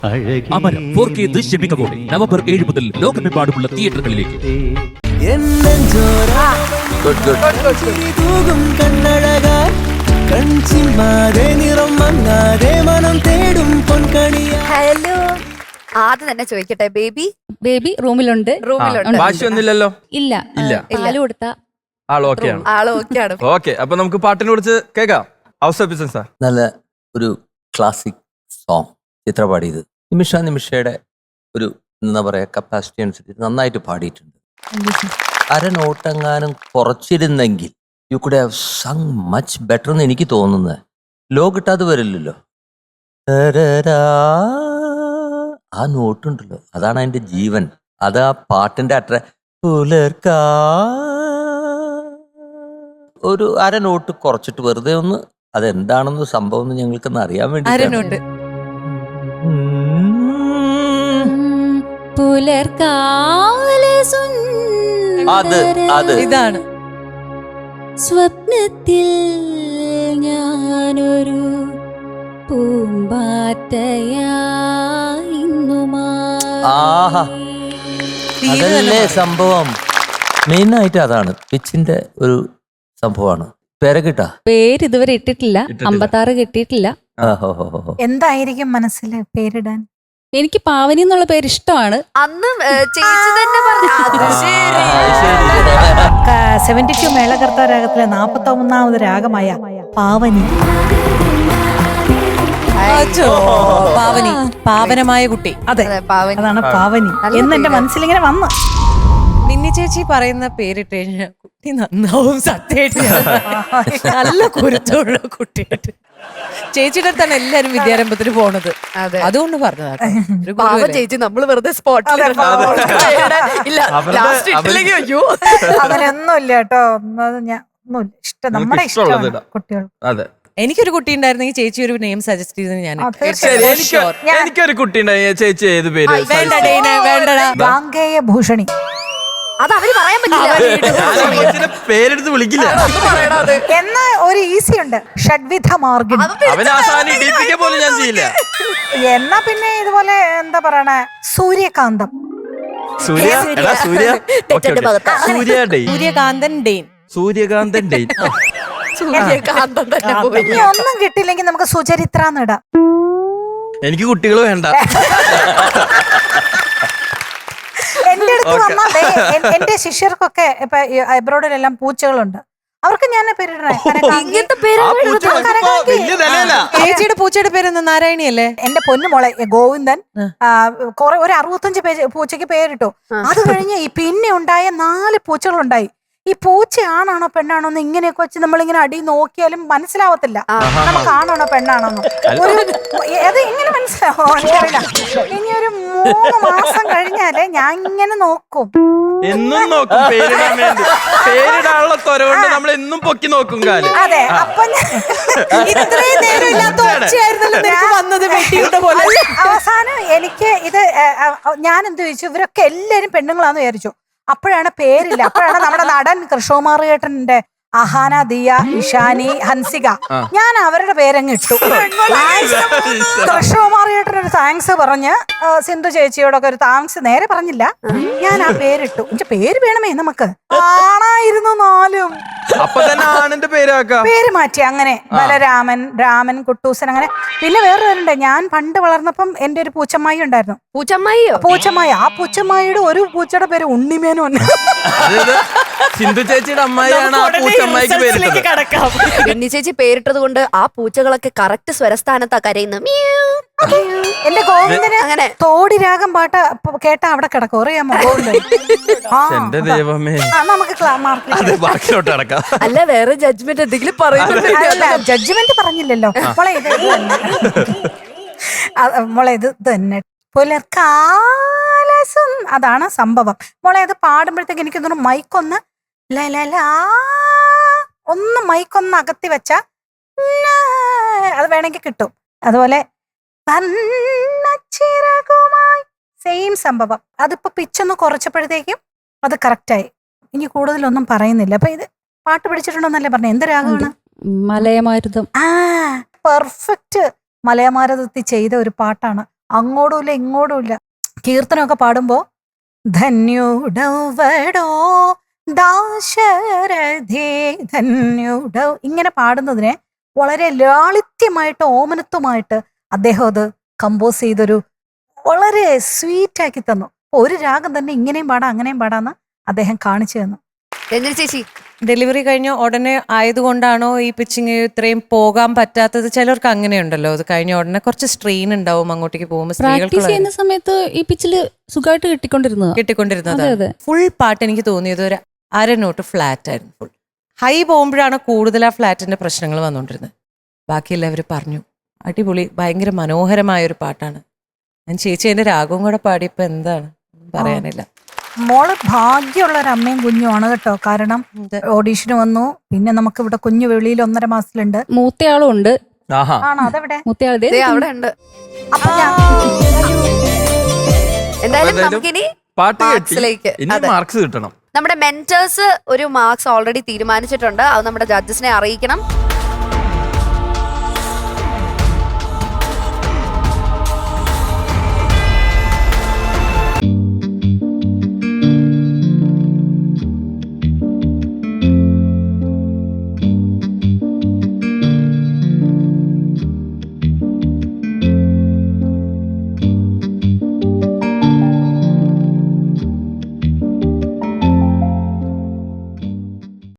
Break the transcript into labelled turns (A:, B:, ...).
A: അമരം 4K ദൃശ്യമികവോടെ November 7 മുതൽ ലോകമെമ്പാടുമുള്ള തിയേറ്ററുകളിലേക്ക്.
B: ഹലോ, ആദ്യം തന്നെ ചോദിക്കട്ടെ, ബേബി
C: റൂമിലുണ്ട്.
D: ഭാഷയൊന്നുമില്ലല്ലോ.
C: ഇല്ല പാല് കൊടുത്ത
D: ആള് ഓക്കെയാണ്. ഓക്കെ, അപ്പൊ നമുക്ക് പാട്ടിനെ കുറിച്ച് കേൾക്കാം. ഹൗസ് ഓഫ് ബിസിനസ്
E: നല്ല ഒരു ക്ലാസിക് സോങ് ചിത്ര പാടിയത്. നിമിഷയുടെ ഒരു എന്താ പറയാ കപ്പാസിറ്റി അനുസരിച്ച് നന്നായിട്ട് പാടിയിട്ടുണ്ട്. അരനോട്ടെങ്ങാനും കുറച്ചിരുന്നെങ്കിൽ you could have sung much better എന്ന് എനിക്ക് തോന്നുന്നത്. ലോ കിട്ടാതെ വരില്ലല്ലോ. ആ നോട്ടുണ്ടല്ലോ, അതാണ് അതിന്റെ ജീവൻ. അത് ആ പാട്ടിന്റെ പുലർക്കാ ഒരു അരനോട്ട് കുറച്ചിട്ട് വെറുതെ ഒന്ന് അതെന്താണെന്ന് സംഭവം എന്ന് ഞങ്ങൾക്കൊന്ന് അറിയാൻ വേണ്ടി.
C: ഇതാണ് സ്വപ്നത്തിൽ ഞാനൊരു
E: അതല്ലേ സംഭവം. മെയിനായിട്ട് അതാണ് പിച്ചിന്റെ ഒരു സംഭവമാണ്. പേരക്കിട്ടാ
C: പേര് ഇതുവരെ ഇട്ടിട്ടില്ല. 56 കിട്ടിയിട്ടില്ല.
F: എന്തായിരിക്കും മനസ്സിൽ പേരിടാൻ?
C: എനിക്ക് പാവനി എന്നുള്ള പേര് ഇഷ്ടമാണ്.
B: അന്ന് ചേച്ചി തന്നെ
F: 72 മേളകർത്ത രാഗത്തിലെ 41ാമത് രാഗമായ പാവനി.
C: പാവനി, പാവനമായ കുട്ടി.
F: അതെ, അതാണ് പാവനി എന്ന് എന്റെ മനസ്സിലിങ്ങനെ വന്നു.
G: മിന്നി ചേച്ചി പറയുന്ന പേരിട്ട് കഴിഞ്ഞാൽ കുട്ടി നന്നാവും. സത്യമായിട്ട് നല്ല കുരുത്തുള്ള കുട്ടിയായിട്ട്. ചേച്ചിയുടെ അടുത്താണ് എല്ലാരും വിദ്യാരംഭത്തിന് പോണത്. അതുകൊണ്ട് പറഞ്ഞതാണ്
B: ചേച്ചി. നമ്മള് വെറുതെ
F: അങ്ങനെയൊന്നും ഇല്ല കേട്ടോ. ഒന്നുമില്ല, ഇഷ്ടം നമ്മുടെ ഇഷ്ടമാണ് കുട്ടികൾ.
D: അതെ,
G: എനിക്കൊരു കുട്ടി ഉണ്ടായിരുന്നെങ്കിൽ ചേച്ചി ഒരു നെയിം സജസ്റ്റ് ചെയ്തത് ഞാൻ.
D: എനിക്കൊരു കുട്ടി ഉണ്ടായി. ചേച്ചി ഏത് പേര്?
F: ഗാംഗേയ ഭൂഷണി.
B: അത് അവര് പറയാൻ പറ്റില്ല.
D: പേരെടുത്ത് വിളിക്കില്ല.
F: എന്നാ ഒരു ഈസി ഉണ്ട്, ഷഡ്വിധ മാർഗിണി.
D: പോലും ഞാൻ ചെയ്യില്ല.
F: എന്നാ പിന്നെ ഇതുപോലെ എന്താ പറയണേ, സൂര്യകാന്തം.
D: സൂര്യകാന്തൻ ഡെയിൻ.
F: ഇനി ഒന്നും കിട്ടില്ലെങ്കിൽ നമുക്ക് സുചരിത്ര ഇടാം.
D: എനിക്ക് കുട്ടികൾ വേണ്ട.
F: എന്റെ അടുത്ത് വന്നാ എന്റെ ശിഷ്യർക്കൊക്കെ ഇപ്പൊ അബ്രോഡിലെല്ലാം പൂച്ചകളുണ്ട്. അവർക്ക് ഞാൻ പേരിടണേ.
G: ചേച്ചിയുടെ പൂച്ചയുടെ പേര് നാരായണിയല്ലേ?
F: എന്റെ പൊന്നുമോളെ ഗോവിന്ദൻ ഒരു 65 പൂച്ചയ്ക്ക് പേരിട്ടു. അത് കഴിഞ്ഞ് പിന്നെ ഉണ്ടായ 4 പൂച്ചകളുണ്ടായി. ഈ പൂച്ച ആണാണോ പെണ്ണാണോ എന്ന് ഇങ്ങനെയൊക്കെ വെച്ച് നമ്മളിങ്ങനെ അടി നോക്കിയാലും മനസ്സിലാവത്തില്ല നമുക്ക് ആണാണോ പെണ്ണാണോന്ന്. അത് എങ്ങനെ മനസ്സിലാവോ എനിക്കറിയില്ല. ഇനി ഒരു 3 മാസം കഴിഞ്ഞാലേ ഞാൻ ഇങ്ങനെ നോക്കും.
D: എന്നും നോക്കും പേരിടാൻ വേണ്ടി. പേരിടാനുള്ള തൊരകൊണ്ട് നമ്മൾ എന്നും പൊക്കി നോക്കും കാലം.
F: അതെ, അപ്പൊ അവസാനം എനിക്ക് ഇത് ഞാൻ എന്ത് ചോദിച്ചു, ഇവരൊക്കെ എല്ലാരും പെണ്ണുങ്ങളാന്ന് വിചാരിച്ചു. അപ്പോഴാണ് പേരില്ല. അപ്പോഴാണ് നമ്മുടെ നടൻ കൃഷ്ണകുമാർ ഏട്ടന്റെ അഹാന, ദിയ, ഇഷാനി, ഹൻസിക, ഞാൻ അവരുടെ പേരങ്ങ് ഇട്ടു. കൃഷ്ണകുമാർ ഏട്ടനൊരു താങ്ക്സ് പറഞ്ഞ് സിന്ധു ചേച്ചിയോടൊക്കെ ഒരു താങ്ക്സ് നേരെ പറഞ്ഞില്ല, ഞാൻ ആ പേരിട്ടു. എന്റെ പേര് വേണമേ നമുക്ക്. ആണായിരുന്നു 4ഉം. പേര് മാറ്റി അങ്ങനെ ബലരാമൻ, രാമൻ, കുട്ടൂസൻ, അങ്ങനെ. പിന്നെ വേറെ പേരുണ്ട്. ഞാൻ പണ്ട് വളർന്നപ്പം എന്റെ ഒരു പൂച്ചമ്മായി ഉണ്ടായിരുന്നു. പൂച്ചമ്മായി. ആ പൂച്ചമ്മായിയുടെ ഒരു പൂച്ചയുടെ പേര് ഉണ്ണിമേനു.
D: സിന്ധു ചേച്ചിയുടെ അമ്മായിയാണ് ആ പൂച്ചമ്മായിക്ക് പേരിട്ടത്.
B: ഉണ്ണി ചേച്ചി പേരിട്ടത് കൊണ്ട് ആ പൂച്ചകളൊക്കെ കറക്റ്റ് സ്വരസ്ഥാനത്താ കരയുന്നത്.
F: എന്റെ ഗോവിന്ദന് അങ്ങനെ തോടി രാഗം പാട്ട് കേട്ടാ അവിടെ കിടക്കും. അറിയാമോ ഗോവിന്ദൻ?
D: എന്റെ ദൈവമേ,
F: നമുക്ക്
B: അല്ല വേറെ ജഡ്ജ്മെന്റ് എന്തെങ്കിലും
F: പറയുന്നില്ല. ജഡ്ജ്മെന്റ് പറഞ്ഞില്ലല്ലോ മോളെ. ഇത് മോളെ ഇത് തന്നെ പുലർക്കാലസും അതാണ് സംഭവം. മോളെ അത് പാടുമ്പോഴത്തേക്ക് എനിക്ക് തോന്നുന്നു മൈക്കൊന്ന് ഒന്ന് മൈക്കൊന്ന് അകത്തി വെച്ച അത് വേണമെങ്കിൽ കിട്ടും. അതുപോലെ സെയിം സംഭവം. അതിപ്പോ പിച്ചൊന്ന് കുറച്ചപ്പോഴത്തേക്കും അത് കറക്റ്റായി. ഇനി കൂടുതലൊന്നും പറയുന്നില്ല. അപ്പൊ ഇത് പാട്ട് പഠിച്ചിട്ടുണ്ടോന്നല്ലേ പറഞ്ഞ? എന്ത് രാഗമാണ്?
C: മലയമാരുതം.
F: പെർഫെക്റ്റ് മലയമാരുതത്തിൽ ചെയ്ത ഒരു പാട്ടാണ്. അങ്ങോട്ടുമില്ല ഇങ്ങോട്ടുമില്ല. കീർത്തനമൊക്കെ പാടുമ്പോ ധന്യുടവടോ ദാശരഥേ ധന്യുട ഇങ്ങനെ പാടുന്നതിനെ വളരെ ലാളിത്യമായിട്ട് ഓമനത്വമായിട്ട് അദ്ദേഹം അത് കമ്പോസ് ചെയ്തൊരു വളരെ സ്വീറ്റ് ആക്കി തന്നു. ഒരു രാഗം തന്നെ ഇങ്ങനെയും പാടാം അങ്ങനെയും പാടാന്ന് അദ്ദേഹം കാണിച്ചു തന്നു.
B: രഞ്ജന ചേച്ചി
G: ഡെലിവറി കഴിഞ്ഞ ഉടനെ ആയതുകൊണ്ടാണോ ഈ പിച്ചിങ് ഇത്രയും പോകാൻ പറ്റാത്തത്? ചിലർക്ക് അങ്ങനെയുണ്ടല്ലോ, അത് കഴിഞ്ഞ ഉടനെ കുറച്ച് സ്ട്രെയിൻ ഉണ്ടാവും അങ്ങോട്ടേക്ക് പോകുമ്പോൾ.
C: പ്രാക്ടീസ് ചെയ്യുന്ന സമയത്ത് ഈ പിച്ചില് സുഖമായിട്ട്
G: കിട്ടിക്കൊണ്ടിരുന്നത്
C: അതെ.
G: ഫുൾ പാട്ട് എനിക്ക് തോന്നിയത് ഒരു അര നോട്ട് ഫ്ലാറ്റ് ആയിരുന്നു. ഫുൾ ഹൈ പോകുമ്പോഴാണ് കൂടുതൽ ആ ഫ്ലാറ്റിന്റെ പ്രശ്നങ്ങൾ വന്നുകൊണ്ടിരുന്നത്. ബാക്കി എല്ലാവരും പറഞ്ഞു അടിപൊളി, ഭയങ്കര മനോഹരമായ ഒരു പാട്ടാണ്. ഞാൻ ചേച്ചി അതിന്റെ രാഗവും കൂടെ പാടിയപ്പോ എന്താണ് പറയാനില്ല.
F: മോള് ഭാഗ്യമുള്ള ഒരു അമ്മയും കുഞ്ഞുമാണ് കേട്ടോ. കാരണം ഓഡീഷന് വന്നു, പിന്നെ നമുക്ക് ഇവിടെ കുഞ്ഞു വെളിയിൽ 1.5 മാസത്തിലുണ്ട്.
C: മൂത്തയാളും ഉണ്ട്.
E: ആഹാ.
F: ആണോ? അതെവിടെ?
C: മൂത്തയാൾ
B: ദേ അവിടെ ഉണ്ട്.
F: അപ്പൊ ഞാൻ
B: എന്തായാലും നമുക്കിനി
D: പാട്ട് കേട്ടി
B: മാർക്സിലേക്ക്
D: ഇനി
B: അതെ.
D: മാർക്സ് കിട്ടണം.
B: നമ്മുടെ മെന്റേഴ്സ് ഒരു മാർക്സ് ഓൾറെഡി തീരുമാനിച്ചിട്ടുണ്ട്. അത് നമ്മുടെ ജഡ്ജസിനെ അറിയിക്കണം.